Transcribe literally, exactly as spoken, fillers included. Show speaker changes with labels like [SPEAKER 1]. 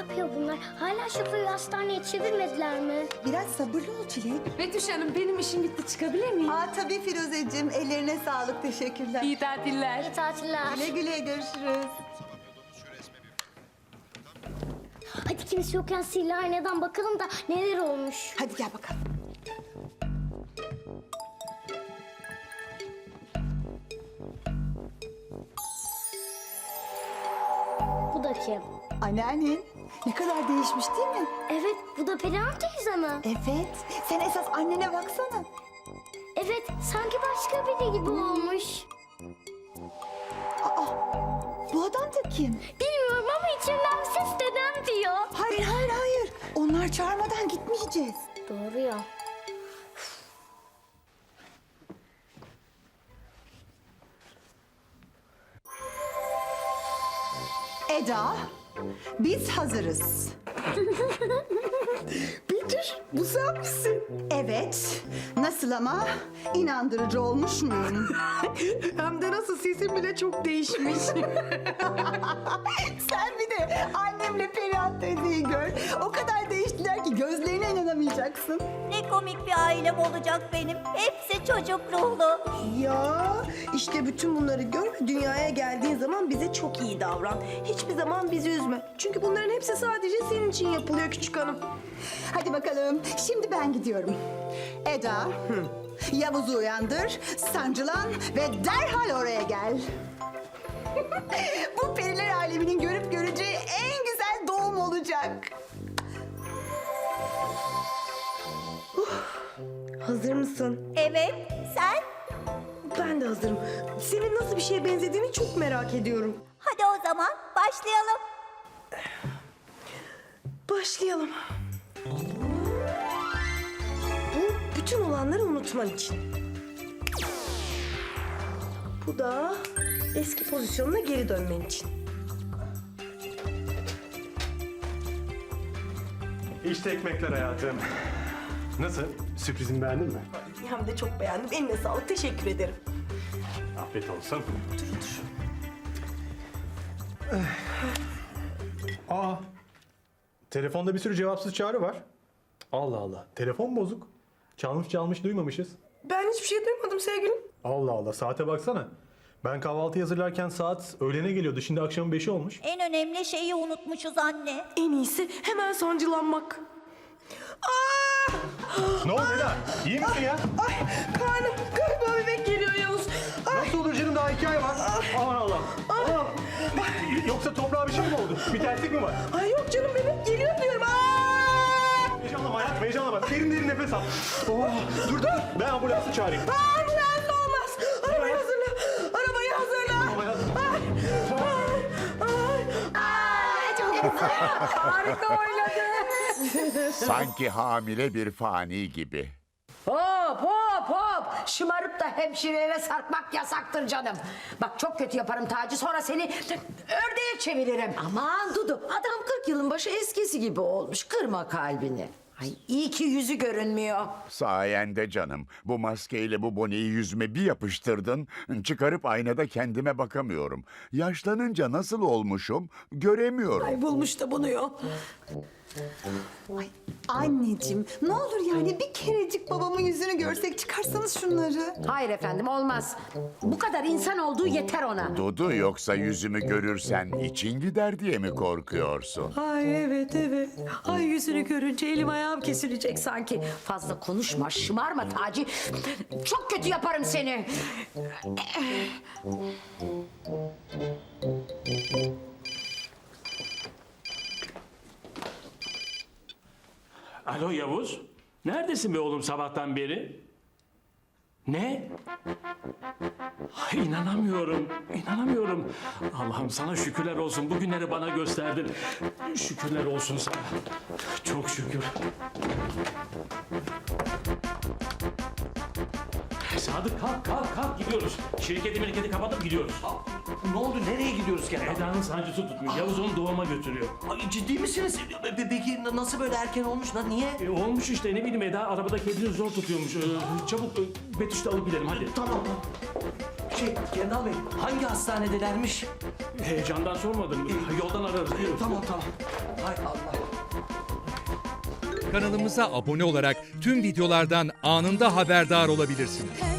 [SPEAKER 1] yapıyor bunlar? Hala şoförü hastaneye çevirmediler mi?
[SPEAKER 2] Biraz sabırlı ol Çilek.
[SPEAKER 3] Betüş Hanım benim işim bitti, çıkabilir miyim?
[SPEAKER 2] Aa tabii Firuzeciğim. Ellerine sağlık. Teşekkürler.
[SPEAKER 3] İyi tatiller.
[SPEAKER 1] İyi tatiller.
[SPEAKER 2] Güle güle görüşürüz.
[SPEAKER 1] Hadi kimse yokken sihirli aynadan bakalım da neler olmuş.
[SPEAKER 2] Hadi gel bakalım.
[SPEAKER 1] Bu da kim?
[SPEAKER 2] Anneannen ne kadar değişmiş değil mi?
[SPEAKER 1] Evet, bu da Perihan teyze mi?
[SPEAKER 2] Evet. Sen esas annene baksana.
[SPEAKER 1] Evet, sanki başka biri gibi olmuş.
[SPEAKER 2] Aa, bu adam da kim?
[SPEAKER 1] Bilmiyorum ama içimden bir ses dedem diyor.
[SPEAKER 2] Hayır, hayır, hayır. Onlar çağırmadan gitmeyeceğiz.
[SPEAKER 1] Doğru ya.
[SPEAKER 2] Eda, biz hazırız.
[SPEAKER 4] Betüş, bu sen misin?
[SPEAKER 2] Evet. Nasıl ama? İnandırıcı olmuş muyum?
[SPEAKER 4] Hem de nasıl, sesin bile çok değişmiş.
[SPEAKER 2] Sen bir de annemle Perihan teyzeyi gör. O kadar değiştiler ki gözlerine inanamayacaksın.
[SPEAKER 5] Ne komik bir ailem olacak benim. Hepsi çocuk ruhlu.
[SPEAKER 4] Ya işte bütün bunları gör ve dünyaya geldiğin zaman bize çok iyi davran. Hiçbir zaman bizi üzme. Çünkü bunların hepsi sadece senin için yapılıyor küçük hanım.
[SPEAKER 2] Hadi bakalım. Şimdi ben gidiyorum. Eda, Yavuz'u uyandır, sancılan ve derhal oraya gel. Bu periler aleminin görüp göreceği en güzel doğum olacak.
[SPEAKER 4] Hazır mısın?
[SPEAKER 5] Evet, sen?
[SPEAKER 4] Ben de hazırım. Senin nasıl bir şeye benzediğini çok merak ediyorum.
[SPEAKER 5] Hadi o zaman başlayalım.
[SPEAKER 4] Başlayalım. Bu bütün olanları unutman için. Bu da eski pozisyonuna geri dönmen için.
[SPEAKER 6] İşte ekmekler hayatım. Nasıl? Sürprizimi beğendin mi?
[SPEAKER 4] Hem de çok beğendim. Eline sağlık. Teşekkür ederim.
[SPEAKER 6] Afiyet olsun. Aa, telefonda bir sürü cevapsız çağrı var. Allah Allah, telefon bozuk. Çalmış çalmış duymamışız.
[SPEAKER 4] Ben hiçbir şey duymadım sevgilim.
[SPEAKER 6] Allah Allah, saate baksana. Ben kahvaltı hazırlarken saat öğlene geliyordu. Şimdi akşamın beşi olmuş.
[SPEAKER 5] En önemli şeyi unutmuşuz anne.
[SPEAKER 4] En iyisi hemen sancılanmak. Aa!
[SPEAKER 6] Ne oldu Eda? İyi misin ya?
[SPEAKER 4] Ay karnım, galiba bebek geliyor Yavuz. Ay,
[SPEAKER 6] Nasıl olur canım, daha iki ay var. Aman Allah. Aa! Yoksa toprağa bir şey mi oldu? Bir terslik mi var?
[SPEAKER 4] ay yok canım, bebek geliyor diyorum. Aa!
[SPEAKER 6] Heyecanlama hayat, heyecanlama. Derin derin nefes al. Oh, dur dur, ben ambulansı çağırayım.
[SPEAKER 4] Ambulans olmaz. Arabayı hazırla. Arabayı hazırla.
[SPEAKER 6] Tamam hayatım.
[SPEAKER 4] Ay, ay, ay. Çok güzel. Harika oynadı.
[SPEAKER 7] Sanki hamile bir fani gibi.
[SPEAKER 8] Hop hop hop! Şımarıp da hemşirelere sarkmak yasaktır canım. Bak çok kötü yaparım Taci, sonra seni ördeğe çeviririm.
[SPEAKER 3] Aman Dudu, adam kırk yılın başı eskisi gibi olmuş. Kırma kalbini.
[SPEAKER 8] Ay iyi ki yüzü görünmüyor.
[SPEAKER 7] Sayende canım. Bu maskeyle bu boneyi yüzüme bir yapıştırdın. Çıkarıp aynada kendime bakamıyorum. Yaşlanınca nasıl olmuşum göremiyorum.
[SPEAKER 8] Ay bulmuş da bunu yok.
[SPEAKER 2] Ay anneciğim, ne olur yani bir kerecik babamın yüzünü görsek, çıkarsanız şunları.
[SPEAKER 8] Hayır efendim, olmaz. Bu kadar insan olduğu yeter ona.
[SPEAKER 7] Dudu, yoksa yüzümü görürsen için gider diye mi korkuyorsun?
[SPEAKER 8] Ay evet evet. Ay yüzünü görünce elim ayağım kesilecek sanki. Fazla konuşma, şımarma Taci. Çok kötü yaparım seni.
[SPEAKER 9] Alo Yavuz. Neredesin be oğlum sabahtan beri? Ne? Ay, inanamıyorum. İnanamıyorum. Allah'ım sana şükürler olsun. Bugünleri bana gösterdin. Şükürler olsun sana. Çok şükür. Sadık kalk kalk kalk gidiyoruz. Şirketi mirketi kapatıp gidiyoruz.
[SPEAKER 10] Ne oldu? Nereye gidiyoruz Kenan?
[SPEAKER 9] Eda'nın sancısı tutmuş. Yavuz onu doğuma götürüyor.
[SPEAKER 10] Ay, ciddi misiniz? Pe- Peki nasıl böyle erken olmuş lan? Niye?
[SPEAKER 9] E, olmuş işte, ne bileyim, Eda arabada kendini zor tutuyormuş. Ee, çabuk e, Betüş'te alıp gidelim hadi.
[SPEAKER 10] Tamam. Şey Kendal Bey hangi hastanedelermiş?
[SPEAKER 9] Heyecandan sormadım. Yoldan ararız. Buyurun.
[SPEAKER 10] Tamam tamam. Hay Allah.
[SPEAKER 11] Kanalımıza abone olarak tüm videolardan anında haberdar olabilirsiniz.